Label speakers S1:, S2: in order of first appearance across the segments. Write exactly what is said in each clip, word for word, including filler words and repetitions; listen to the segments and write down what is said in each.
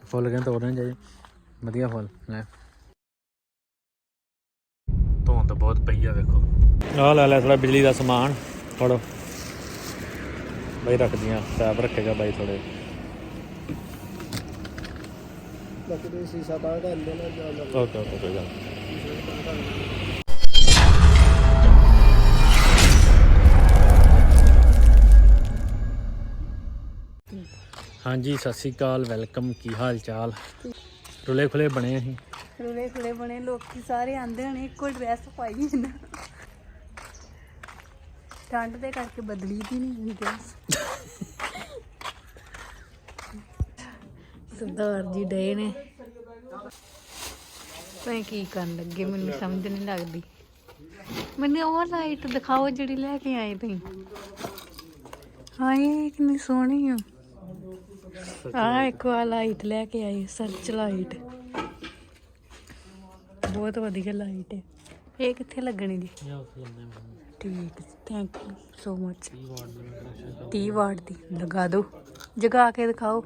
S1: Full कहते तोड़ने चाहिए वधिया फुल ले धुंध बहुत पई है वेखो आ लै लै थोड़ा बिजली का समान फड़ो बई रख दियां पैप रखेगा बाई थोड़े ओके ओके कोई गल हाँ जी सत श्री अकाल वैलकम की हाल चाल रुले खुले बने असीं
S2: रुले खुले बने लोग सारे आंदे होने इक्को ड्रैस पाई ना ठंड दे करके बदली दी नहीं ड्रैस सरदार जी डे ने भाई की करन लगे मैनू समझ नहीं लगती मैंने वो लाइट दिखाओ जी लैके आए तुम हाँ ये कितनी सोहनी है हाँ एक बार लाइट लैके आई सर्च लाइट बहुत वधिया लाइट है ये कित्थे लगनी जी ठीक थैंक यू सो मच तीह वाट दी लगा दो जगा के दिखाओ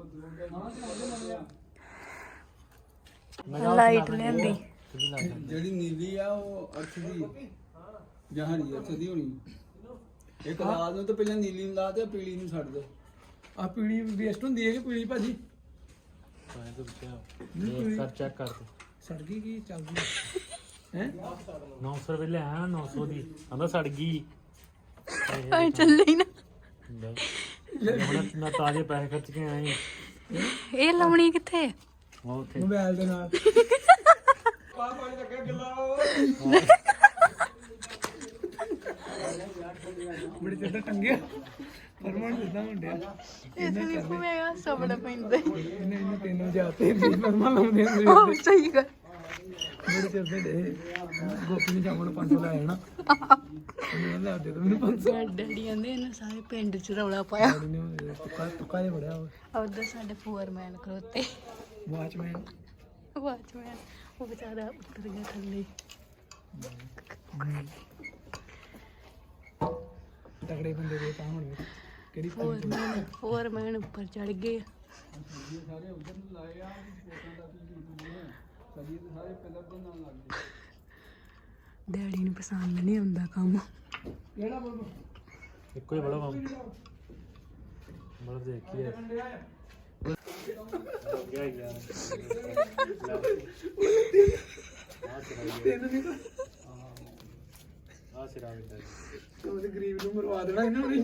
S2: लाइट लेंदी
S3: ਜਿਹੜੀ ਨੀਲੀ ਆ ਉਹ ਅਰਥ ਦੀ ਜਹਾਨੀ ਅਰਥ ਦੀ ਹੋਣੀ ਇੱਕ ਲਾਲ ਨੂੰ ਤਾਂ ਪਹਿਲਾਂ ਨੀਲੀ ਨੂੰ ਲਾ ਤੇ ਪੀਲੀ ਨੂੰ ਛੱਡ ਦੇ ਆ ਪੀਲੀ ਵੇਸਟ ਹੁੰਦੀ ਹੈ ਕਿ ਪੀਲੀ ਭਾਜੀ
S1: सर चेक कर दो
S3: ਸੜ ਗਈ ਕੀ ਚੱਲਦੀ ਹੈ
S1: नौ सौ रुपये ले आया नौ सौ दी आंदा सड़ गई
S2: ਚੱਲੇ ਹੀ ਨਾ
S1: मैं ताजे पैसे खर्च के आए
S2: ਇਹ ਲਾਉਣੀ ਕਿੱਥੇ
S1: वो उथे
S3: ਮੋਬਾਈਲ ਦੇ ਨਾਲ ਪਾ ਪਾਣੀ ਲੱਗਿਆ ਗਿੱਲਾ ਬੜੀ ਚੱਟਾ ਟੰਗਿਆ ਫਰਮਾਨ ਦਿੱਤਾ ਮੁੰਡਿਆ
S2: ਇਸ ਲਈ ਮੈਂ ਸਬੜਾ ਪੈਂਦਾ
S3: ਇਹਨੇ ਇਹਨੂੰ ਤੈਨੂੰ ਜਾਤੇ ਵੀ ਫਰਮਾਨ ਲਾਉਂਦੇ ਹੁੰਦੇ
S2: ਉਹ ਸਹੀ ਗੱਲ
S3: ਬੜੇ ਚੱਲਦੇ ਡੇ ਗੋਪੀ ਨੇ ਜਾਮਣ ਪੰਜ ਸੌ ਲਾਇਆ ਨਾ ਉਹਨੇ ਲਾ ਦੇ ਮੈਨੂੰ ਪੰਜ ਸੌ
S2: ਡੈਡੀ ਕਹਿੰਦੇ ਇਹਨਾਂ ਸਾਰੇ ਪਿੰਡ ਚ ਰੌਲਾ ਪਾਇਆ
S3: ਨੇ ਤੁਕਾ ਤੁਕਾ ਦੇ ਬੜਿਆ
S2: ਉਧਰ ਸਾਡੇ ਫੋਰਮੈਨ ਖਲੋਤੇ
S3: ਵਾਚਮੈਨ
S2: ਵਾਚਮੈਨ ਉਹ ਵਿਚਾਰਾ ਉੱਤਰ ਗਿਆ ਥੱਲੇ
S3: ਤਗੜੇ ਬੰਦੇ ਦੇ ਤਾਂ ਹੁਣ ਕਿਹੜੀ
S2: ਫੋਰਮੈਨ ਫੋਰਮੈਨ ਉੱਪਰ ਚੜ ਗਏ
S3: ਸਾਰੇ ਉਧਰ ਨੂੰ ਲਾਏ ਆ ਫੋਟਾਂ ਦਾ ਤੁਸੀਂ ਸਦੀ ਤੇ ਸਾਰੇ ਪਿਲਰ ਦੇ ਨਾਲ ਲੱਗਦੇ
S2: ਡੈਡੀ ਨੂੰ ਪਸੰਦ ਨਹੀਂ ਆਉਂਦਾ ਕੰਮ
S3: ਕਿਹੜਾ ਬੋਲ
S1: एको ही बड़ा काम बड़ा देखिए
S3: ਤੈਨੂੰ ਨਹੀਂ ਤੂੰ ਤੇ ਗਰੀਬ ਨੂੰ ਮਰਵਾ ਦੇਣਾ ਇਹਨਾਂ ਨੇ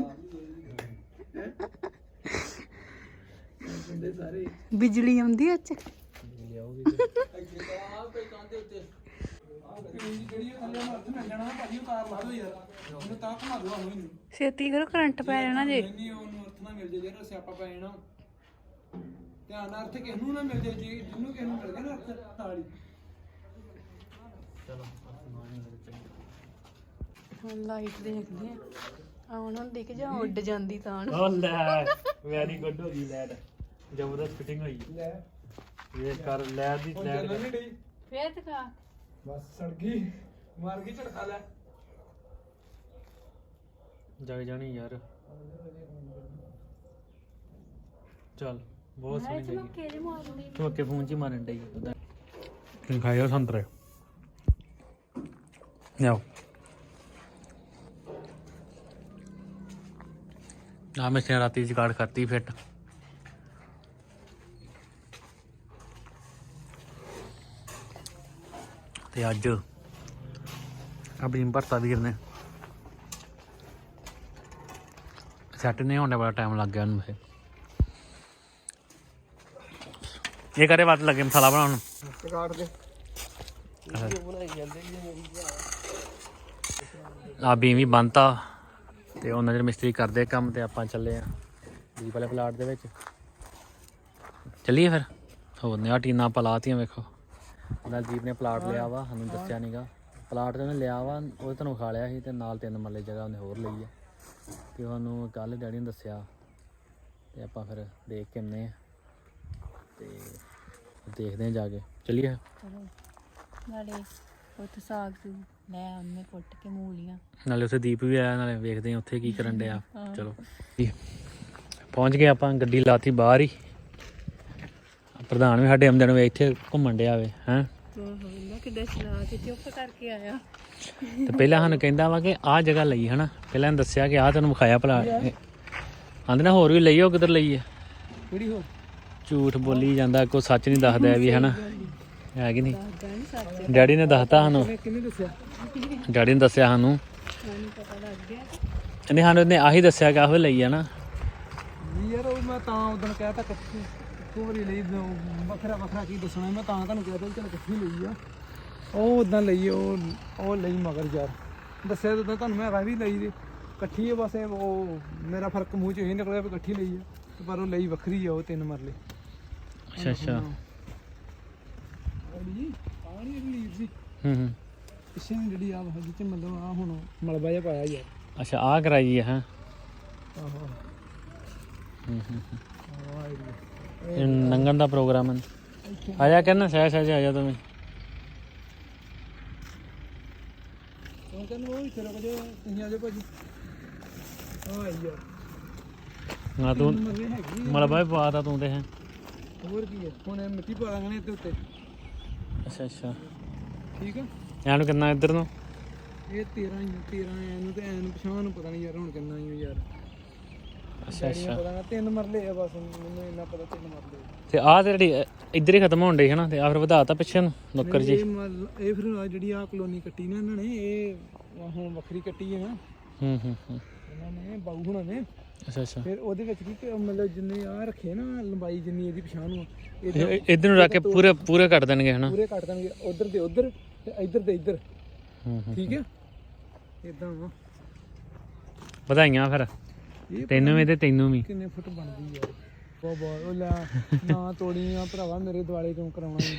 S3: ਬੰਦੇ ਸਾਰੇ
S2: ਬਿਜਲੀ ਆਉਂਦੀ ਅੱਛ ਛੇਤੀ ਕਰੋ ਕਰੰਟ ਪੈ ਜਾਣਾ ਜੇ
S3: ਨਹੀਂ ਉਹਨੂੰ ਅਰਥ ਨਾ ਮਿਲ ਜੇ ਜਿਹੜਾ ਸਿਆਪਾ ਪੈ ਜਾਣਾ ਧਿਆਨ ਨਾਲ ਅਰਥ ਕਿਸ ਨੂੰ ਨਾ ਮਿਲ ਜੇ ਜੀ ਜਿਹਨੂੰ ਕਿਸ ਨੂੰ ਮਿਲ ਗਿਆ ਨਾ ਅਰਥ ਨਾਲ ਹੀ
S2: ਹੁਣ ਲਾਈਟ ਦੇਖਦੇ ਆ ਆਉਣ ਹੁੰਦੀ ਕਿ ਜਾਂ ਉੱਡ ਜਾਂਦੀ ਤਾਂ
S1: ओ ले वेरी गुड हो गई लाइट जबरदस्त फिटिंग हुई
S3: ਲੈ
S1: ये कर लाइट दी
S3: ਹੁਣ
S1: लाइट
S3: ਚੱਲਣ ਨਹੀਂ ਡਈ
S2: ਫੇਰ ਦਿਖਾ
S3: ਬਸ ਸੜ ਗਈ ਮਾਰ ਗਈ ਝਟਕਾ ਲੈ
S1: जग जानी यार चल बहुत सोहनी लगी
S2: ਕਿਹੜੇ ਮਾਰਨੀ
S1: तू अके फोन च मारन डई तुम खाए संतरे आओ ना मैं राती जुगाड़ करती फिट ते अज अपनी भरता वीर ने सैट नहीं होने बड़ा टाइम लग गया उन्हें ये करे बात लगे मसाला बनाने
S3: ਕਾਟ ਦੇ
S1: आ बीम भी बनता ਤੇ ਉਹਨਾਂ ਜਿਹੜੇ ਮਿਸਤਰੀ ਕਰਦੇ ਕੰਮ ਤੇ ਆਪਾਂ ਚੱਲੇ ਆ ਦੀਪ ਵਾਲੇ ਪਲਾਟ ਦੇ ਵਿੱਚ ਚੱਲੀਏ ਫਿਰ ਹੋਰ ਨੇ ਆ ਟੀਨਾਂ ਪਲਾਤੀਆਂ ਵੇਖੋ ਨਾਲ ਦੀਪ ਨੇ ਪਲਾਟ ਲਿਆ ਵਾ ਸਾਨੂੰ ਦੱਸਿਆ ਨਹੀਂਗਾ ਪਲਾਟ ਤੇ ਉਹਨੇ ਲਿਆ ਵਾ ਉਹ ਤੁਹਾਨੂੰ ਖਾ ਲਿਆ ਸੀ ਤੇ ਨਾਲ ਤਿੰਨ ਮਰਲੇ ਜਗ੍ਹਾ ਉਹਨੇ ਹੋਰ ਲਈ ਆ ਤੇ ਉਹਨੂੰ ਕੱਲ ਡੈਡੀ ਨੇ ਦੱਸਿਆ ਤੇ ਆਪਾਂ ਫਿਰ ਦੇਖ ਕੇ ਆਉਂਦੇ ਆ ਤੇ ਦੇਖਦੇ ਆ ਜਾ ਕੇ ਚੱਲੀਏ
S2: ਨਾਲੇ ਉੱਥੇ ਸਾਗ ਸੂ ਲੈ ਆਉਂਦੇ ਕੁੱਟ ਕੇ ਮੂਲੀਆਂ
S1: ਨਾਲੇ ਉੱਥੇ ਦੀਪ ਵੀ ਆਇਆ ਨਾਲੇ ਵੇਖਦੇ ਆ ਉੱਥੇ ਕੀ ਕਰਨ ਡਿਆ ਚਲੋ ਪਹੁੰਚ ਗਏ ਆਪਾਂ ਗੱਡੀ ਲਾਤੀ ਬਾਹਰ ਹੀ ਪ੍ਰਧਾਨ ਵੀ ਸਾਡੇ ਆਮਦਨ ਵੇ ਇੱਥੇ ਘੁੰਮਣ ਡਿਆ ਵੇ ਹੈਂ
S2: ਨਾ ਕਿੱਦਾਂ ਚਲਾ ਕੇ ਚੁੱਪ ਕਰਕੇ ਆਇਆ।
S1: ਤੇ ਪਹਿਲਾਂ ਸਾਨੂੰ ਕਹਿੰਦਾ ਵਾ ਕਿ ਆਹ ਜਗ੍ਹਾ ਲਈ ਹਨਾ, ਪਹਿਲਾਂ ਇਹਨੂੰ ਦੱਸਿਆ ਕਿ ਆਹ ਤੈਨੂੰ ਵਿਖਾਇਆ ਭਲਾ, ਆਂਦੇ ਨਾ ਹੋਰ ਵੀ ਲਈ ਉਹ ਕਿੱਧਰ ਲਈ ਆ,
S3: ਕਿਹੜੀ ਹੋਰ
S1: ਝੂਠ ਬੋਲੀ ਜਾਂਦਾ, ਕੋਈ ਸੱਚ ਨਹੀਂ ਦੱਸਦਾ ਵੀ ਹਨਾ, ਹੈ ਕਿ ਨਹੀਂ।
S2: ਦੱਸਦਾ ਨਹੀਂ ਸੱਚ,
S1: ਡੈਡੀ ਨੇ ਦੱਸਤਾ ਸਾਨੂੰ,
S3: ਕਿਹਨੇ ਦੱਸਿਆ?
S1: ਡੈਡੀ ਨੇ ਦੱਸਿਆ ਸਾਨੂੰ,
S2: ਮੈਨੂੰ ਪਤਾ ਲੱਗ ਗਿਆ।
S1: ਇਹਨੇ ਸਾਨੂੰ ਇਹਨੇ ਆਹੀ ਦੱਸਿਆ ਕਿ ਆਹੋ ਲਈ ਆ ਨਾ।
S3: ਯਾਰ ਉਹ ਮੈਂ ਤਾਂ ਉਦੋਂ ਕਹਿਤਾ ਇਕੱਠੀ ਇੱਕੋ ਵਾਰੀ ਲਈ, ਵੱਖਰਾ ਵੱਖਰਾ ਕੀ ਦੱਸਣਾ, ਮੈਂ ਤਾਂ ਤੁਹਾਨੂੰ ਕਹਿ ਤਾ ਚਲ ਇਕੱਠੀ ਲਈ ਆ। ਉਹ ਉਦਾਂ ਲਈ ਉਹ ਉਹ ਲਈ ਮਗਰ ਯਾਰ ਦੱਸਿਆ ਤਾਂ ਤੁਹਾਨੂੰ ਮੈਂ ਵੀ ਲਈ ਦੀ ਇਕੱਠੀ ਆ, ਬਸ ਉਹ ਮੇਰਾ ਫਰਕ ਮੂੰਹ 'ਚ ਇਹ ਨਿਕਲਿਆ ਵੀ ਇਕੱਠੀ ਲਈ ਆ, ਪਰ ਉਹ ਲਈ ਵੱਖਰੀ ਆ, ਉਹ ਤਿੰਨ ਮਰਲੇ।
S1: ਅੱਛਾ ਅੱਛਾ
S3: ਜੀ ਪਾਣੀ ਲੀਰ ਸੀ
S1: ਹੂੰ ਹੂੰ
S3: ਪਿੱਛੇ ਜਿਹੜੀ ਆ ਹੈਗੀ ਤੇ ਮਤਲਬ ਆ ਹੁਣ ਮਲਬਾ ਜਿਹਾ ਪਾਇਆ ਯਾਰ।
S1: ਅੱਛਾ ਆਹ ਕਰਾਈ ਹੈ ਹੈਂ।
S3: ਆਹੋ
S1: ਹੂੰ ਹੂੰ
S3: ਆਹ ਏਰੀਆ।
S1: ਇਹ ਨੰਗਣ ਦਾ ਪ੍ਰੋਗਰਾਮ ਹੈ। ਆ ਜਾ ਕਹਿੰਦਾ ਸਹਿ ਸਹਿ ਆ ਜਾ ਤੂੰ ਵੀ।
S3: ਉਹ ਕਹਿੰਦਾ ਉਹ ਇੱਥੇ ਰੁਕ ਜਾ, ਤੁਸੀਂ ਆ ਜਾਓ ਭਾਜੀ। ਆ ਯਾਰ
S1: ਨਾ ਤੂੰ
S3: ਮਰਲੇ ਹੈਗੀ
S1: ਮਲਬਾ ਵੀ ਪਾਤਾ ਤੂੰ ਤੇ ਹੈ।
S3: ਹੋਰ ਕੀ ਹੈ, ਹੁਣ ਇਹ ਮਿੱਟੀ ਪਾ ਦਾਂਗੇ ਇਹਦੇ ਉੱਤੇ।
S1: ਅੱਛਾ ਅੱਛਾ
S3: ਠੀਕ ਆ,
S1: ਇਹਨੂੰ ਕਿੰਨਾ ਇੱਧਰ ਨੂੰ?
S3: ਇਹ ਤੇਰਾਂ ਹੀ ਤੇਰਾਂ ਐਨੂੰ ਤੇ ਐਨੂੰ ਪਛਾਣ ਨੂੰ ਪਤਾ ਨਹੀਂ ਯਾਰ ਹੁਣ ਕਿੰਨਾ ਹੀ ਯਾਰ।
S1: ਅੱਛਾ ਅੱਛਾ
S3: ਪਤਾ ਨਾ ਤਿੰਨ ਮਰਲੇ ਆ ਬਸ, ਮੈਨੂੰ ਇੰਨਾ ਪਤਾ ਤਿੰਨ ਮਰਲੇ।
S1: ਤੇ ਆਹ ਤੇ ਜਿਹੜੀ ਇੱਧਰ ਹੀ ਖਤਮ ਹੋਣ ਡਈ ਹੈ ਨਾ, ਤੇ ਆ ਫਿਰ ਵਧਾਤਾ ਪਿੱਛੇ ਨੂੰ ਨੁੱਕਰ ਜੀ।
S3: ਇਹ ਮਤਲਬ ਇਹ ਫਿਰ ਆਹ ਜਿਹੜੀ ਆ ਕਲੋਨੀ ਕੱਟੀ ਨਾ ਇਹਨਾਂ ਨੇ, ਇਹ ਹੁਣ ਵੱਖਰੀ ਕੱਟੀ ਹੈ ਨਾ
S1: ਹੂੰ ਹੂੰ ਹੂੰ
S3: ਇਹਨਾਂ ਨੇ, ਬਾਊ ਹੁਣਾਂ ਨੇ।
S1: ਅੱਛਾ ਅੱਛਾ
S3: ਫਿਰ ਉਹਦੇ ਵਿੱਚ ਕੀ ਕਿ ਮਤਲਬ ਜਿੰਨੇ ਆ ਰੱਖੇ ਨਾ ਲੰਬਾਈ ਜਿੰਨੀ ਇਹਦੀ ਪਛਾਣ ਨੂੰ
S1: ਇਹ- ਇੱਧਰ ਨੂੰ ਰੱਖ ਕੇ ਪੂਰੇ ਪੂਰੇ ਕੱਟ ਦੇਣਗੇ ਹਨਾ।
S3: ਪੂਰੇ ਕੱਟ ਦੇਣਗੇ, ਉਧਰ ਦੇ ਉਧਰ ਤੇ ਇੱਧਰ ਦੇ ਇੱਧਰ।
S1: ਹੂੰ ਹੂੰ
S3: ਠੀਕ ਹੈ ਇਦਾਂ ਵਾ।
S1: ਵਧਾਈਆਂ ਫਿਰ
S3: ਇਹ
S1: ਤੈਨੂੰ ਵੀ ਤੇ ਤੈਨੂੰ ਵੀ।
S3: ਕਿੰਨੇ ਫੁੱਟ ਬਣਦੀ ਯਾਰ, ਬਹੁਤ ਬਹੁਤ ਉਹ ਲੈ ਨਾ ਤੋੜੀਆਂ ਭਰਾਵਾ, ਮੇਰੇ ਦੁਆਲੇ ਕਿਉਂ ਕਰਾਉਣਾ ਈ?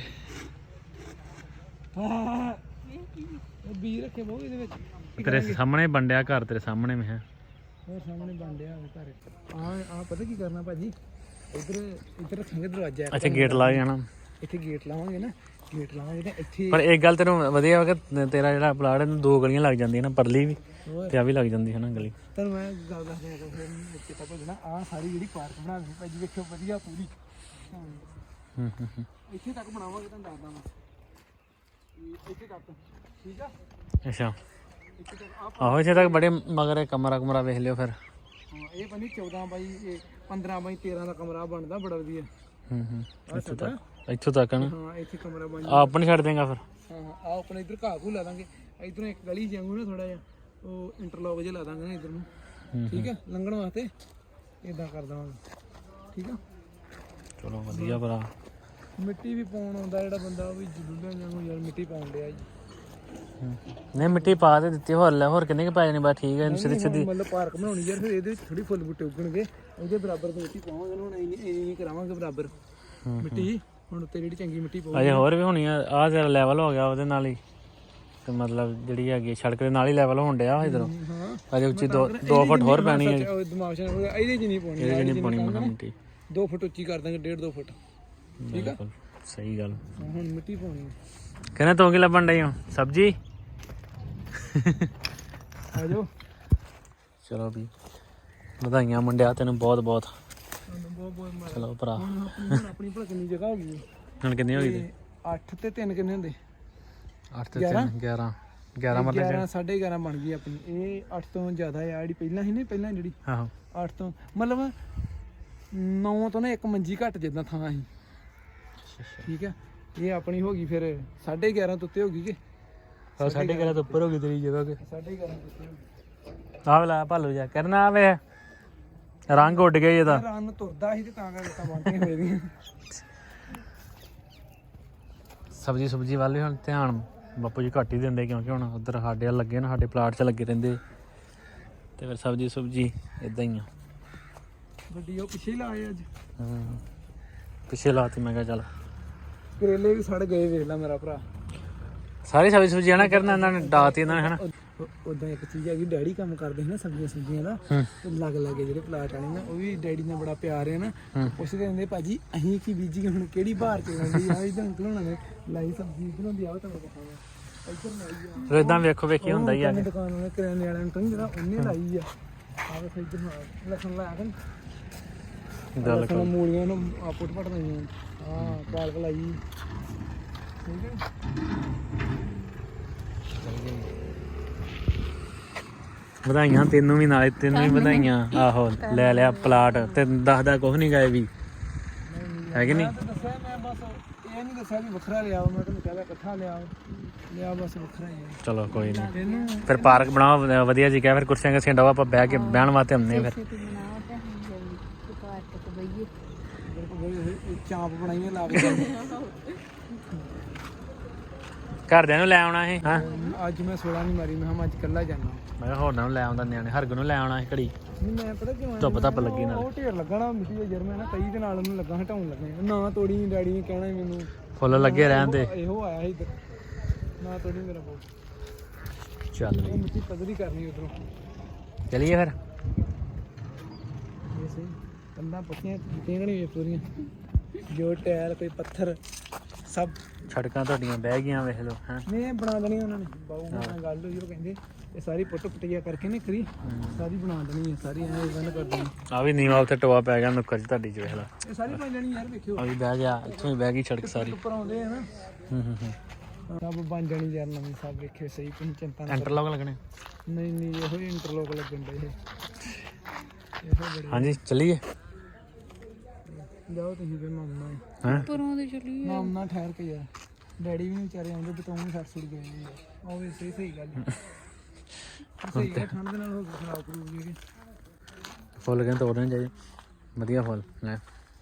S3: ਹਾਂ ਇਹ ਬੀ ਰੱਖੇ ਬਹੁਤ ਇਹਦੇ ਵਿੱਚ।
S1: ਤੇਰੇ ਸਾਹਮਣੇ ਬੰਡਿਆ ਘਰ, ਤੇਰੇ ਸਾਹਮਣੇ ਮੈਂ ਹੈ।
S3: ਉਹ ਸਾਹਮਣੇ ਬਣ ਡਿਆ ਘਰ। ਆ ਆ ਪਤਾ ਕੀ ਕਰਨਾ ਭਾਜੀ, ਇੱਧਰ ਇੱਧਰ ਰੱਖਾਂਗੇ ਦਰਵਾਜ਼ਾ।
S1: ਅੱਛਾ ਗੇਟ ਲਾ ਜਾਣਾ,
S3: ਇੱਥੇ ਗੇਟ ਲਾਵਾਂਗੇ ਨਾ, ਗੇਟ ਲਾਵਾਂਗੇ ਤੇ ਇੱਥੇ।
S1: ਪਰ ਇੱਕ ਗੱਲ ਤੈਨੂੰ ਵਧੀਆ ਵਾ ਕਿ ਤੇਰਾ ਜਿਹੜਾ ਪਲਾਟ ਇਹਨੂੰ ਦੋ ਗਲੀਆਂ ਲੱਗ ਜਾਂਦੀਆਂ ਨਾ, ਪਰਲੀ ਵੀ
S3: ਹੋਰ
S1: ਤੇ ਆ ਵੀ ਲੱਗ ਜਾਂਦੀ ਹੈ ਨਾ ਗਲੀ।
S3: ਤੁਹਾਨੂੰ ਮੈਂ ਗੱਲ ਦੱਸ ਦਿਆਂ ਕਿ ਫਿਰ ਇੱਥੇ ਤੱਕ ਭੇਜਣਾ। ਆਹ ਸਾਰੀ ਜਿਹੜੀ ਪਾਰਕ ਬਣਾ ਦੇਣੀ ਭਾਜੀ, ਵੇਖਿਓ ਵਧੀਆ ਪੂਰੀ। ਹਾਂ
S1: ਹੂੰ ਹੂੰ ਹੂੰ
S3: ਇੱਥੇ ਤੱਕ ਬਣਾਵਾਂਗੇ, ਤੁਹਾਨੂੰ ਦੱਸਦਾ ਮੈਂ ਇਹ ਇੱਥੇ ਤੱਕ। ਠੀਕ ਆ,
S1: ਅੱਛਾ
S3: ਇੱਥੇ ਤੱਕ ਆ।
S1: ਆਹੋ ਇੱਥੇ ਤੱਕ ਬੜੇ ਮਗਰ ਕਮਰਾ ਕੁਮਰਾ ਵੇਖ ਲਿਓ ਫਿਰ।
S3: ਹਾਂ ਇਹ ਬਣੀ ਚੌਦਾਂ ਬਾਈ ਇਹ ਪੰਦਰਾਂ ਬਾਈ ਤੇਰਾਂ ਦਾ ਕਮਰਾ ਬਣਦਾ, ਬੜਾ ਵਧੀਆ।
S1: ਹੂੰ ਹੂੰ
S3: ਆਹ
S1: ਇੱਥੋਂ
S3: ਸਾਡਾ
S1: ਤੱਕ ਇੱਥੋਂ ਤੱਕ ਨਾ।
S3: ਹਾਂ ਇੱਥੇ ਕਮਰਾ ਬਣ
S1: ਆ ਆਪਣੀ ਛੱਡ ਦੇਗਾ ਫਿਰ।
S3: ਹਾਂ ਆ ਆਪਣੇ ਇੱਧਰ ਘਾਹ ਘੂ ਲਾ ਦਾਂਗੇ, ਇੱਧਰੋਂ ਇੱਕ ਗਲੀ ਜਾਂਗੂ ਨਾ ਥੋੜਾ ਜਿਹਾ, ਉਹ ਇੰਟਰਲੌਕ ਜਿਹਾ ਲਾ ਦਾਂਗੇ ਨਾ ਇੱਧਰ ਨੂੰ। ਠੀਕ ਆ, ਲੰਘਣ ਵਾਸਤੇ ਇਦਾਂ ਕਰ ਦਵਾਂਗੇ। ਠੀਕ ਆ,
S1: ਚਲੋ ਵਧੀਆ ਭਰਾ।
S3: ਮਿੱਟੀ ਵੀ ਪਾਉਣ ਆਉਂਦਾ ਜਿਹੜਾ ਬੰਦਾ, ਉਹ ਵੀ ਜਲੂਲਿਆਂ ਜਾਂਗੂ ਯਾਰ ਮਿੱਟੀ ਪਾਉਣ ਡਿਆ ਜੀ।
S1: ਨਹੀਂ ਮਿੱਟੀ ਪਾ ਤੇ ਦਿੱਤੀ, ਹੋਰ ਲੈ ਹੋਰ ਕਿੰਨੇ ਕੁ ਪੈ ਜਾਣੀ ਬਸ ਠੀਕ ਹੈ। ਸਿੱਧੀ ਸਿੱਧੀ
S3: ਮਤਲਬ ਪਾਰਕ ਬਣਾਉਣੀ ਯਾਰ, ਫਿਰ ਇਹਦੇ ਵਿੱਚ ਥੋੜੀ ਫੁੱਲ ਬੂਟੇ ਉੱਗਣਗੇ, ਉਹਦੇ ਬਰਾਬਰ ਦੀ ਮਿੱਟੀ ਪਾਵਾਂਗੇ। ਹੁਣ ਇੰਨੀ ਇੰਨੀ ਕਰਾਵਾਂਗੇ ਬਰਾਬਰ ਮਿੱਟੀ। ਹੁਣ ਉੱਤੇ ਜਿਹੜੀ ਚੰਗੀ ਮਿੱਟੀ ਪਾਵਾਂਗੇ।
S1: ਅਜੇ ਹੋਰ ਵੀ ਹੋਣੀ ਆ। ਆਹ ਜਿਹੜਾ ਲੈਵਲ ਹੋ ਗਿਆ ਉਹਦੇ ਨਾਲ ਹੀ, ਤੇ ਮਤਲਬ ਜਿਹੜੀ ਹੈਗੀ ਸੜਕ ਦੇ ਨਾਲ ਹੀ ਲੈਵਲ ਹੋਣ ਡਿਆ ਇਧਰੋਂ।
S3: ਹਾਂ
S1: ਅਜੇ ਉੱਚੀ ਦੋ ਦੋ ਫੁੱਟ ਹੋਰ ਪੈਣੀ ਹੈ।
S3: ਉਹ ਦਿਮਾਗ ਚ ਇਹਦੇ ਚ ਨਹੀਂ ਪਾਉਣੀ,
S1: ਇਹਦੇ ਨਹੀਂ ਪਾਉਣੀ ਮਖਾ ਮਿੱਟੀ।
S3: ਦੋ ਫੁੱਟ ਉੱਚੀ ਕਰ ਦਾਂਗੇ, ਡੇਢ ਦੋ ਫੁੱਟ। ਠੀਕ ਆ,
S1: ਸਹੀ ਗੱਲ।
S3: ਹੁਣ ਮਿੱਟੀ ਪਾਉਣੀ
S1: ਕਹਿੰਦੇ ਤੂੰ ਕੀ ਲੱਭਣ ਡਈ ਹੋ? ਸਬਜ਼ੀ।
S3: ਆ ਜਾਓ।
S1: ਚਲੋ ਵੀ ਵਧਾਈਆਂ ਮੁੰਡਿਆ ਤੈਨੂੰ ਬਹੁਤ ਬਹੁਤ।
S3: ਤੁਹਾਨੂੰ ਬਹੁਤ ਬਹੁਤ ਮਾਰ।
S1: ਚਲੋ ਭਰਾ।
S3: ਹੁਣ ਆਪਣੀ ਹੁਣ ਆਪਣੀ ਭਲਾ ਕਿੰਨੀ ਜਗ੍ਹਾ ਹੋ ਗਈ?
S1: ਹੁਣ ਕਿੰਨੀ ਹੋ ਗਈ ਤੇ?
S3: ਅੱਠ ਤੇ ਤਿੰਨ ਕਿੰਨੇ ਹੁੰਦੇ?
S1: ਅੱਠ ਤੇ ਤਿੰਨ ਗਿਆਰਾਂ। ਗਿਆਰਾਂ ਮਤਲਬ
S3: ਗਿਆਰਾਂ ਸਾਢੇ ਗਿਆਰਾਂ ਬਣ ਗਈ ਆਪਣੀ। ਇਹ ਅੱਠ ਤੋਂ ਜ਼ਿਆਦਾ ਆ ਜਿਹੜੀ ਪਹਿਲਾਂ ਸੀ ਨਾ, ਪਹਿਲਾਂ ਜਿਹੜੀ
S1: ਆਹੋ
S3: ਅੱਠ ਤੋਂ ਮਤਲਬ ਨੌ ਤੋਂ ਨਾ ਇੱਕ ਮੰਜੀ ਘੱਟ ਜਿੱਦਾਂ ਥਾਂ ਸੀ। ਠੀਕ ਆ, ਇਹ ਆਪਣੀ ਹੋ ਗਈ ਫਿਰ ਸਾਢੇ ਗਿਆਰਾਂ ਤੋਂ ਉੱਤੇ ਹੋ ਗਈ ਕਿ
S1: ਸਾਢੇ ਗਿਆਰਾਂ ਤੋਂ ਉੱਪਰ ਹੋ ਗਈ ਤੇਰੀ ਜਗ੍ਹਾ।
S3: ਸਾਢੇ ਗਿਆਰਾਂ ਤੋਂ ਉੱਤੇ ਹੋ ਗਈ।
S1: ਆਹ ਲਾ ਭਾਲੂ ਜਾ ਕਰਨਾ ਆਵੇ, ਰੰਗ ਉੱਡ ਗਿਆ ਇਹਦਾ।
S3: ਰਨ ਤੁਰਦਾ ਸੀ ਤੇ ਤਾਂ ਕਰਕੇ ਤਾਂ ਬੰਦੇ ਹੋਏ ਦੀਆਂ।
S1: ਸਬਜ਼ੀ ਸੁਬਜ਼ੀ ਵੱਲ ਵੀ ਹੁਣ ਧਿਆਨ ਬਾਪੂ ਜੀ ਘੱਟ ਹੀ ਦਿੰਦੇ, ਕਿਉਂਕਿ ਹੁਣ ਉੱਧਰ ਸਾਡੇ ਵੱਲ ਲੱਗੇ ਨਾ, ਸਾਡੇ ਪਲਾਟ 'ਚ ਲੱਗੇ ਰਹਿੰਦੇ, ਤੇ ਫਿਰ ਸਬਜ਼ੀ ਸੁਬਜ਼ੀ ਇਦਾਂ ਹੀ ਆ।
S3: ਗੱਡੀ ਉਹ ਪਿੱਛੇ ਹੀ ਲਾਏ ਅੱਜ।
S1: ਹੂੰ ਪਿੱਛੇ ਲਾਤੀ। ਮੈਂ ਕਿਹਾ ਚੱਲ
S3: ਕਰੇਲੇ ਵੀ ਸੜ ਗਏ, ਵੇਖ ਲੈ ਮੇਰਾ ਭਰਾ।
S1: ਸਾਰੀ ਸਬਜ਼ੀ ਸੁਬਜ਼ੀ ਨਾ ਕਰਨਾ ਇਹਨਾਂ ਨੇ ਡਾਤੀ ਇਹਨਾਂ ਨੇ ਹਨਾ।
S3: ਉਦਾਂ ਇੱਕ ਚੀਜ਼ ਹੈਗੀ, ਡੈਡੀ ਕੰਮ ਕਰਦੇ ਸੀ ਨਾ ਸਬਜ਼ੀਆਂ ਸੁਬਜ਼ੀਆਂ ਦਾ, ਲੱਗ ਲੱਗੇ ਜਿਹੜੇ ਪਲਾਟ ਵਾਲੇ ਨਾ, ਉਹ ਵੀ ਡੈਡੀ ਨਾਲ ਬੜਾ ਪਿਆਰ ਹੈ ਨਾ। ਪੁੱਛਦੇ ਹੁੰਦੇ ਭਾਜੀ ਅਸੀਂ ਕੀ ਬੀਜੀ ਹੁਣ, ਕਿਹੜੀ ਬਾਹਰ ਚ ਆਉਂਦੀ ਆ, ਇਦਾਂ ਘਲਾਉਣਾ ਨੇ ਲਾਈ ਸਬਜ਼ੀ ਇਧਰੋਂ ਦੀ ਆਓ ਤੁਹਾਨੂੰ ਦਿਖਾਵਾਂ। ਇੱਧਰ ਲਾਈ ਆ
S1: ਫਿਰ ਇਦਾਂ ਵੇਖੋ ਵੇਖੀ ਹੁੰਦਾ ਹੀ ਆ।
S3: ਦੁਕਾਨ ਵਾਲੇ ਕਰਿਆਨੇ ਵਾਲਿਆਂ ਨੂੰ ਕਹਿੰਦੇ ਜਿਹੜਾ ਉਹਨੇ ਲਾਈ ਆ। ਆਹ ਵੇਖ ਇੱਧਰ ਲਸਣ ਲਾਇਆ ਕਿ
S1: ਗੱਲ
S3: ਲਸਣ ਮੂਲੀਆਂ ਨੂੰ ਆਪੁੱਟ ਪਟ ਦਈਆਂ। ਹਾਂ ਪਾਲ ਭਲਾਈ ਠੀਕ ਹੈ
S1: ਵਧਾਈਆਂ ਤੈਨੂੰ ਵੀ ਨਾਲੇ ਤੈਨੂੰ ਵੀ ਵਧਾਈਆਂ ਆਹੋ ਲੈ ਲਿਆ ਪਲਾਟ ਤੇ ਦੱਸਦਾ ਕੁਛ ਨਹੀਂ ਗਏ ਵੀ ਹੈ ਕਿ ਨਹੀਂ
S3: ਮੈਂ ਤਾਂ ਦੱਸਿਆ ਮੈਂ ਬਸ ਇਹ ਨਹੀਂ ਦੱਸਿਆ ਵੀ ਵੱਖਰਾ ਲਿਆ ਮੈਂ ਤੈਨੂੰ ਕਹਿੰਦਾ ਇਕੱਠਾ ਲਿਆ ਲਿਆ ਬਸ ਵੱਖਰਾ ਹੀ ਹੈ
S1: ਚਲੋ ਕੋਈ ਨਹੀਂ
S3: ਤੈਨੂੰ
S1: ਫਿਰ ਪਾਰਕ ਬਣਾਓ ਵ- ਵਧੀਆ ਜੀ ਕਹਿ ਫਿਰ ਕੁਰਸੀਆਂ ਕੁਰਸੀਆਂ ਡਾਓ ਆਪਾਂ ਬਹਿ ਕੇ ਬਹਿਣ ਵਾਸਤੇ ਹੁੰਦੇ ਫਿਰ
S2: ਬਣਾਓ ਤੇ ਅਸੀਂ ਜਲਦੀ ਪਾਰਕ ਤੇ ਬਈਏ
S3: ਚਾਂਪ ਬਣਾਈਏ ਲਾ ਕੇ
S1: ਘਰਦਿਆਂ ਨੂੰ ਲੈ ਆਉਣਾ ਇਹ ਹਾਂ
S3: ਅੱਜ ਮੈਂ ਸੋਲਾਂ ਨਹੀਂ ਮਾਰੀ ਮੈਂ ਕਿਹਾ ਮੈਂ ਅੱਜ ਇਕੱਲਾ ਜਾਣਾ
S1: ਮੈਂ ਕਿਹਾ ਹੋਰਨਾਂ ਨੂੰ ਲੈ ਆਉਂਦਾ ਨਿਆਣੇ ਹਰਗ ਨੂੰ ਲੈ ਆਉਣਾ ਸੀ ਘੜੀ
S3: ਨਹੀਂ ਮੈਂ ਪਤਾ ਕਿਉਂ ਆਇਆ?
S1: ਧੁੱਪ ਧੱਪ ਲੱਗੀ ਨਾਲ
S3: ਉਹ ਢੇਰ ਲੱਗਣਾ ਮਿੱਟੀ ਦੇ ਜਰ ਮੈਂ ਨਾ ਕਈ ਦੇ ਨਾਲ ਉਹਨੂੰ ਲੱਗਾ ਹਟਾਉਣ ਲੱਗੇ ਨਾ ਤੋੜੀ ਡੈਡੀ ਨੇ ਕਹਿਣਾ ਸੀ ਮੈਨੂੰ
S1: ਫੁੱਲ ਲੱਗੇ ਰਹਿਣ ਦੇ
S3: ਇਹੋ ਆਇਆ ਸੀ ਇੱਧਰ ਨਾ ਤੋੜੀ ਮੇਰਾ ਬਹੁਤ
S1: ਚੱਲ
S3: ਉਹ ਮਿੱਟੀ ਪੱਧਰੀ ਕਰਨੀ ਉਧਰੋਂ
S1: ਚਲੀਏ ਫਿਰ
S3: ਇਹ ਸਹੀ ਕੰਧਾਂ ਪੱਕੀਆਂ ਟੁੱਟੀਆਂ ਨਹੀਂ ਪੂਰੀਆਂ ਜੋ ਟਾਇਰ ਕੋਈ ਪੱਥਰ ਸਭ
S1: ਸੜਕਾਂ ਤੁਹਾਡੀਆਂ ਬਹਿ ਗਈਆਂ ਵੇਖ ਲਓ ਹੈਂ
S3: ਨੇ ਬਣਾ ਦੇਣੀ ਉਹਨਾਂ ਨੇ ਬਾਊ ਨਾਲ ਗੱਲ ਹੋਈ ਉਹ ਕਹਿੰਦੇ ਇਹ ਸਾਰੀ ਪੁੱਟ ਪੁੱਟਿਆ ਕਰਕੇ ਨੇ ਕਰੀ ਸਾਰੀ ਬਣਾ ਦੇਣੀ ਹੈ ਸਾਰੀ ਐਂ ਬੰਦ ਕਰ ਦੇਣੀ
S1: ਆ ਵੀ ਨੀਵਾ ਉੱਥੇ ਟੋਆ ਪੈ ਗਿਆ ਨੁੱਕਰ 'ਚ ਤੁਹਾਡੀ 'ਚ ਵੇਖ ਲਾ
S3: ਇਹ ਸਾਰੀ ਬਣ ਜਾਣੀ ਯਾਰ ਵੇਖਿਓ
S1: ਆ ਵੀ ਬਹਿ ਗਿਆ ਇੱਥੋਂ ਹੀ ਬਹਿ ਗਈ ਸੜਕ ਸਾਰੀ
S3: ਉੱਪਰ ਆਉਂਦੇ ਆ ਨਾ
S1: ਹੂੰ ਹੂੰ ਹੂੰ
S3: ਸਭ ਬਣ ਜਾਣੀ ਯਾਰ ਨਵੀਂ ਸਭ ਵੇਖਿਓ ਸਹੀ ਕੋਈ ਚਿੰਤਾ ਨਾ
S1: ਇੰਟਰਲੌਕ ਲੱਗਣੇ
S3: ਨਹੀਂ ਨਹੀਂ ਇਹੋ ਹੀ ਇੰਟਰਲੋਕ ਲੱਗਣ ਦੇ ਇਹ ਇਹੋ ਬੜੇ
S1: ਹਾਂਜੀ ਚੱਲੀਏ
S3: ਜਾਓ ਤੁਸੀਂ ਫਿਰ ਮਾਮਾ
S1: ਹੈਂ
S2: ਪਰੋਂ ਦੇ ਚਲੀ
S3: ਮਾਮਾ ਠਹਿਰ ਕੇ ਯਾਰ ਡੈਡੀ ਵੀ ਨੀ ਵਿਚਾਰੇ ਆਉਂਦੇ ਬਤੋਂ ਵੀ ਸੱਟ ਸੁੱਟ ਗਏ ਨੇ ਯਾਰ ਉਹ ਵੀ ਸਹੀ ਸਹੀ ਗੱਲ ਹੈ। ਸਹੀ ਹੈ ਠੰਡ ਦੇ ਨਾਲ ਹੋ ਕੇ ਖਰਾਬ ਕਰੂਗੀ
S1: ਫੁੱਲ ਕਹਿੰਦੇ ਤੋੜਨੇ ਚਾਹੀਦੇ ਵਧੀਆ ਫੁੱਲ ਲੈ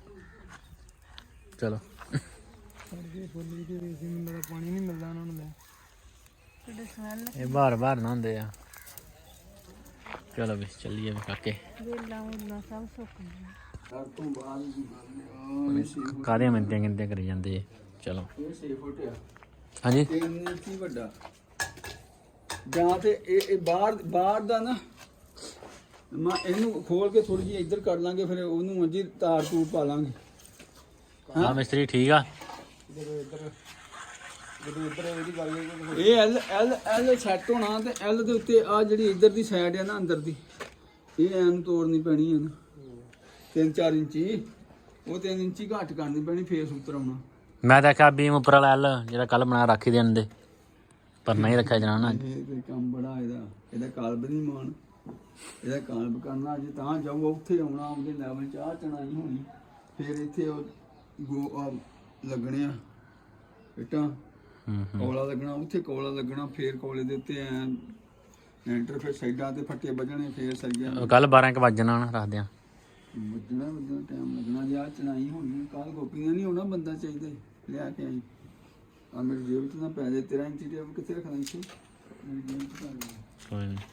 S1: ਚਲੋ
S3: ਸਾਡੇ ਫੁੱਲ ਵੀ ਤੇ ਰੇਸੀ ਮਿਲਦਾ ਪਾਣੀ ਨਹੀਂ ਮਿਲਦਾ ਉਹਨਾਂ ਨੂੰ ਲੈ
S2: ਤੁਹਾਡੇ ਸਮੈਲ
S1: ਇਹ ਬਾਹਰ ਬਾਹਰ ਨਾ ਹੁੰਦੇ ਆ ਚਲੋ ਵੀ ਚੱਲੀਏ ਵੀ ਕਾਕੇ
S2: ਵੇਲਾ ਉਲਾ ਸਭ ਸੁੱਕ ਗਿਆ
S3: ਸਭ ਤੋਂ ਬਾਅਦ
S1: ਕਾਹਦੀਆਂ ਮਿੰਟੀਆਂ ਗਿਣਤੀਆਂ ਕਰੀ ਜਾਂਦੇ ਚਲੋ
S3: ਇਹ ਛੇ ਫੁੱਟ ਆ
S1: ਹਾਂਜੀ
S3: ਤਿੰਨ ਇੰਚੀ ਵੱਡਾ ਜਾਂ ਤੇ ਇਹ ਇਹ ਬਾਹਰ ਬਾਹਰ ਦਾ ਨਾ ਮੈਂ ਇਹਨੂੰ ਖੋਲ ਕੇ ਥੋੜੀ ਜਿਹੀ ਇੱਧਰ ਕਰ ਲਾਂਗੇ ਫਿਰ ਉਹਨੂੰ ਅੰਜੀ ਤਾਰ ਤੂਰ ਪਾ ਲਾਂਗੇ
S1: ਹਾਂ ਮਿਸਤਰੀ ਠੀਕ ਆ
S3: ਜਦੋਂ ਇੱਧਰ ਜਦੋਂ ਇੱਧਰ ਇਹਦੀ ਗੱਲ ਇਹ ਐਲ ਐਲ ਐਲ ਸੈੱਟ ਹੋਣਾ ਤੇ ਐਲ ਦੇ ਉੱਤੇ ਆ ਜਿਹੜੀ ਇੱਧਰ ਦੀ ਸਾਈਡ ਹੈ ਨਾ ਅੰਦਰ ਦੀ ਇਹ ਐਨ ਤੋੜਨੀ ਪੈਣੀ ਹੈ ਨਾ ਤਿੰਨ ਚਾਰ ਇੰਚੀ ਉਹ ਤਿੰਨ ਇੰਚੀ ਘੱਟ ਕਰਨੀ ਪੈਣੀ ਫੇਸ ਉੱਤਰ ਆਉਣਾ
S1: ਮੈਂ ਤਾਂ ਆਖਿਆ ਬੀਮ ਉੱਪਰ ਵਾਲਾ ਐਲ ਜਿਹੜਾ ਕੱਲ ਬਣਾ ਰੱਖੀ ਦੇਣ ਦੇ ਪਰ ਨਹੀਂ ਰੱਖਿਆ ਜਨਾਨਾ
S3: ਇਹ ਕੋਈ ਕੰਮ ਬੜਾ ਇਹਦਾ ਇਹਦਾ ਕਾਲਬ ਨਹੀਂ ਮਾਨ ਇਹਦਾ ਕਾਲਬ ਕਰਨਾ ਜੇ ਤਾਂ ਜਾਊਗਾ ਉੱਥੇ ਆਉਣਾ ਉਹਦੇ ਲੈਵਲ ਚ ਆ ਚਣਾਈ ਹੋਣੀ ਫਿਰ ਇੱਥੇ ਉਹ ਗੋ ਆਹ ਲੱਗਣੇ ਆ ਇੱਟਾਂ
S1: ਹੂੰ
S3: ਕੋਲਾ ਲੱਗਣਾ ਉੱਥੇ ਕੋਲਾ ਲੱਗਣਾ ਫੇਰ ਕੋਲੇ ਦੇ ਉੱਤੇ ਐ ਐਂਟਰ ਫਿਰ ਸਾਈਡਾਂ ਤੇ ਫੱਟੇ ਵੱਜਣੇ ਫੇਰ ਸਰੀਆ
S1: ਕੱਲ ਬਾਰਾਂ ਕੁ ਵੱਜ ਜਾਣਾ ਰੱਖਦੇ ਆ
S3: ਵੱਜਣਾ ਵੱਜਣਾ ਟਾਈਮ ਲੱਗਣਾ ਜੇ ਆ ਚਣਾਈ ਹੋਣੀ ਕੱਲ ਗੋਪੀਆਂ ਨਹੀਂ ਹੋਣਾ ਬੰਦਾ ਚਾਹੀਦਾ ਲਿਆ ਕੇ ਆਈ ਆ ਮੇਰੀ ਜੇਬ 'ਚ ਨਾ ਪੈ ਜਾਏ ਤੇਰਾ ਇੰਚੀ ਟੇਪ ਕਿੱਥੇ ਰੱਖਣਾ ਇੱਥੇ ਮੇਰੀ ਜੇਬ 'ਚ ਪਾ ਦੇ
S1: ਕੋਈ ਨਹੀਂ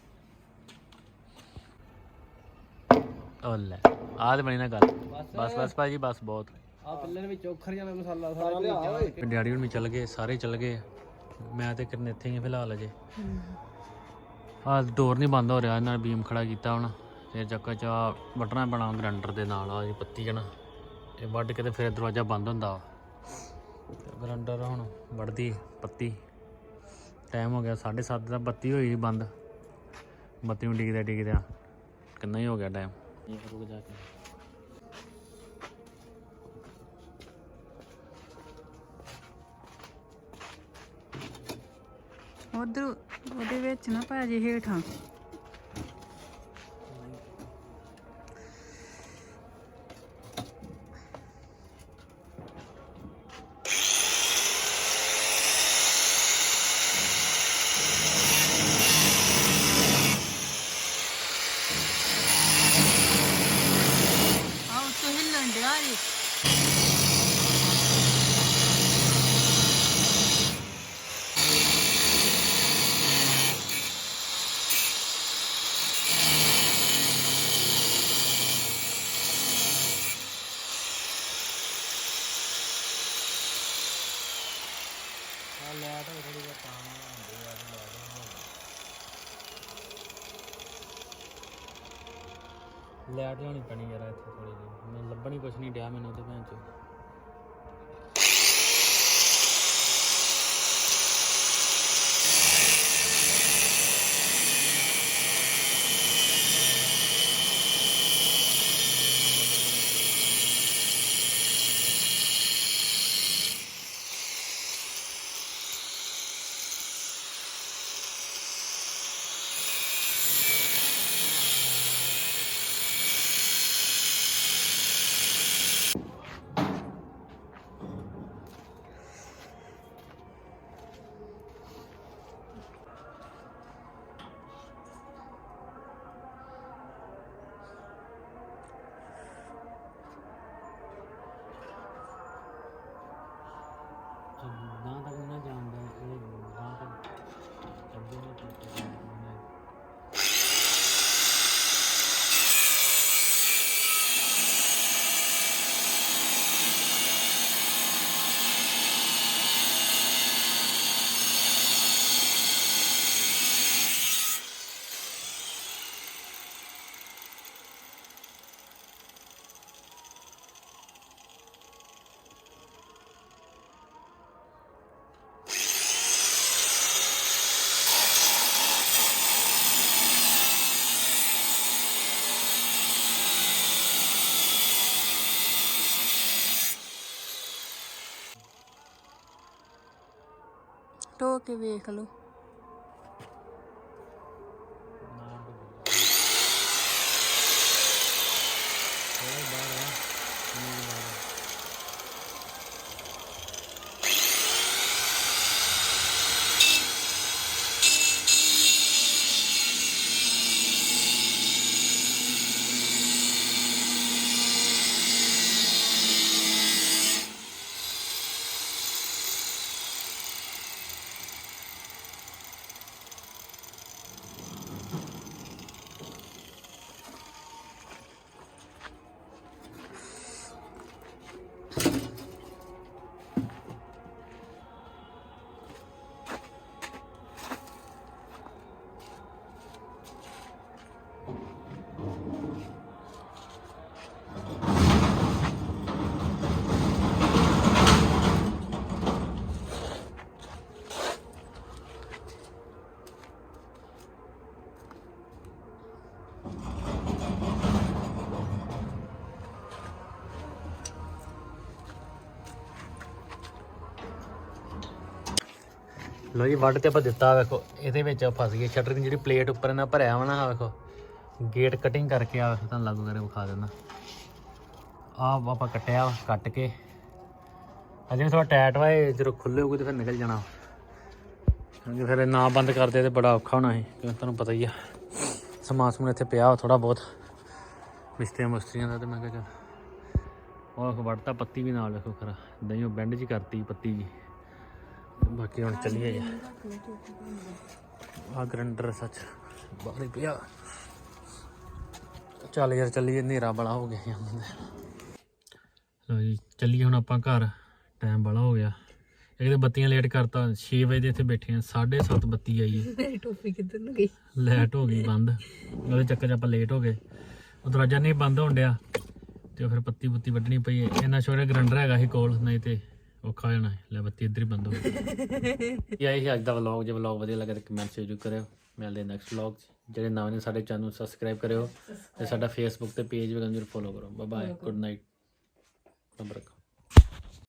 S1: ਉਹ ਲੈ ਆਹ ਤੇ ਬਣੀ ਨਾ ਗੱਲ ਬਸ ਬਸ ਭਾਜੀ ਬਸ ਬਹੁਤ
S3: ਆ ਪਿੱਲਰ ਵਿੱਚ ਔਖਰ ਜਾਣਾ ਮਸਾਲਾ ਸਾਰਾ ਲਿਆ
S1: ਡੈਡੀ ਹੁਣ ਵੀ ਚੱਲ ਗਏ ਸਾਰੇ ਚੱਲ ਗਏ ਮੈਂ ਤੇ ਕਿਰਨ ਇੱਥੇ ਹੀ ਆ ਫਿਲਹਾਲ ਅਜੇ ਆਹ ਡੋਰ ਨਹੀਂ ਬੰਦ ਹੋ ਰਿਹਾ ਇਹਨਾਂ ਨੇ ਬੀਮ ਖੜਾ ਕੀਤਾ ਹੁਣ ਫਿਰ ਚੱਕਾ ਚਾ ਵੱਟਣਾ ਬਣਾ ਗਰੰਡਰ ਦੇ ਨਾਲ ਆ ਜੀ ਪੱਤੀ ਜਣਾ ਇਹ ਵੱਢ ਕੇ ਤੇ ਫਿਰ ਦਰਵਾਜ਼ਾ ਬੰਦ ਹੁੰਦਾ ਗਰੰਡਰ ਹੁਣ ਵੱਢਦੀ ਪੱਤੀ ਟਾਈਮ ਹੋ ਗਿਆ ਸਾਢੇ ਸੱਤ ਦਾ ਬੱਤੀ ਹੋਈ ਬੰਦ ਬੱਤੀ ਨੂੰ ਡਿੱਗਦਾ ਡਿੱਗਦਾ ਕਿੰਨਾ ਹੀ ਹੋ ਗਿਆ ਟਾਈਮ ਰੁਕ ਜਾ ਕੇ
S2: ਉਧਰ ਉਹਦੇ ਵਿੱਚ ਨਾ ਭਾਜੀ ਹੇਠਾਂ ਆਹ ਉੱਤੋਂ ਹਿੱਲਣ ਡਿਆ ਜੀ
S1: ਲੈਟ ਲਿਆਉਣੀ ਪੈਣੀ ਯਾਰ ਇੱਥੇ ਥੋੜੀ ਜਿਹੀ ਮੈਨੂੰ ਲੱਭਣੀ ਕੁਛ ਨਹੀਂ ਡਿਆ ਮੈਨੂੰ ਤੇ ਭੈਣ ਚੋ ਨਾ ਤੱਕ ਨਾ ਜਾਣਦਾ ਇਹ ਨਾ ਤੱਕ ਚੱਲਦੇ ਨੇ
S2: ਢੋ ਕੇ ਵੇਖ ਲਓ। ਲੋ ਜੀ ਵੱਢ ਤੇ ਆਪਾਂ ਦਿੱਤਾ ਵੇਖੋ ਇਹਦੇ ਵਿੱਚ ਫਸ ਗਈ ਸ਼ਟਰ ਦੀ ਜਿਹੜੀ ਪਲੇਟ ਉੱਪਰ ਇਹਨਾਂ ਭਰਿਆ ਵਾ ਨਾ ਵੇਖੋ ਗੇਟ ਕਟਿੰਗ ਕਰਕੇ ਆ ਵੇਖੋ ਤੁਹਾਨੂੰ ਲਾਗੂ ਕਰਕੇ ਵਿਖਾ ਦਿੰਦਾ ਆਹ ਆਪਾਂ ਕੱਟਿਆ ਕੱਟ ਕੇ ਅਜੇ ਥੋੜਾ ਟਾਈਟ ਵਾ ਇਹ ਜਦੋਂ ਖੁੱਲੇ ਹੋਊਗੇ ਤੇ ਫਿਰ ਨਿਕਲ ਜਾਣਾ ਕਿਉਂਕਿ ਫਿਰ ਨਾ ਬੰਦ ਕਰਦੇ ਤੇ ਬੜਾ ਔਖਾ ਹੋਣਾ ਸੀ ਕਿਉਂਕਿ ਤੁਹਾਨੂੰ ਪਤਾ ਹੀ ਆ ਸਮਾਨ ਸਮੂਨ ਇੱਥੇ ਪਿਆ ਥੋੜਾ ਬਹੁਤ ਮਿਸਤਰੀਆਂ ਮੁਸਤਰੀਆਂ ਦਾ ਤੇ ਮੈਂ ਕਿਹਾ ਚੱਲ ਉਹ ਵੱਢਤਾ ਪੱਤੀ ਵੀ ਨਾਲ ਵੇਖੋ ਖਰਾ ਦਹੀਂ ਬੈਂਡ ਜੀ ਕਰਤੀ ਪੱਤੀ ਜੀ ਬਾਕੀ ਹੁਣ ਚੱਲੀਏ ਜੀ ਆ ਗਰੰਡਰ ਸੱਚ ਬਾਹਰ ਹੀ ਪਿਆ ਚੱਲ ਯਾਰ ਚੱਲੀਏ ਹਨੇਰਾ ਬੜਾ ਹੋ ਗਿਆ ਲੋ ਜੀ ਚੱਲੀਏ ਹੁਣ ਆਪਾਂ ਘਰ ਟਾਈਮ ਬੜਾ ਹੋ ਗਿਆ ਇੱਕ ਤਾਂ ਬੱਤੀਆਂ ਲੇਟ ਕਰਤਾ ਛੇ ਵਜੇ ਦੇ ਇੱਥੇ ਬੈਠੇ ਆ ਸਾਢੇ ਸੱਤ ਬੱਤੀ ਆਈ ਹੈ ਟੋਪੀ ਕਿੱਧਰ ਨੂੰ ਗਈ
S1: ਲਾਈਟ ਹੋ ਗਈ ਬੰਦ ਉਹਦੇ ਚੱਕਰ 'ਚ ਆਪਾਂ ਲੇਟ ਹੋ ਗਏ ਉਹ ਦਰਵਾਜ਼ਾ ਨਹੀਂ ਬੰਦ ਹੋਣ ਡਿਆ ਤੇ ਫਿਰ ਪੱਤੀ ਪੁੱਤੀ ਵੱਢਣੀ ਪਈ ਇੰਨਾ ਸ਼ੋਰੇ ਗਰੰਡਰ ਹੈਗਾ ਸੀ ਕੋਲ ਨਹੀਂ ਤੇ ਔਖਾ ਹੋ ਜਾਣਾ ਲੈ ਬੱਤੀ ਇੱਧਰ ਹੀ ਬੰਦ ਹੋ ਗਈ ਇਹ ਆਈ ਸੀ ਅੱਜ ਦਾ ਵਲੌਗ ਜੇ ਵਲੌਗ ਵਧੀਆ ਲੱਗੇ ਤਾਂ ਕਮੈਂਟ ਜ਼ਰੂਰ ਕਰਿਓ ਮਿਲਦੇ ਨੈਕਸਟ ਵਲੌਗ 'ਚ ਜਿਹੜੇ ਨਵੇਂ ਨੇ ਸਾਡੇ ਚੈਨਲ ਨੂੰ ਸਬਸਕ੍ਰਾਈਬ ਕਰਿਓ ਤੇ ਸਾਡਾ ਫੇਸਬੁੱਕ ਤੇ ਪੇਜ ਵੀ ਜ਼ਰੂਰ ਫੋਲੋ ਕਰੋ ਬਾਏ ਬਾਏ ਗੁੱਡ ਨਾਈਟ ਰੱਬ ਰੱਖੋ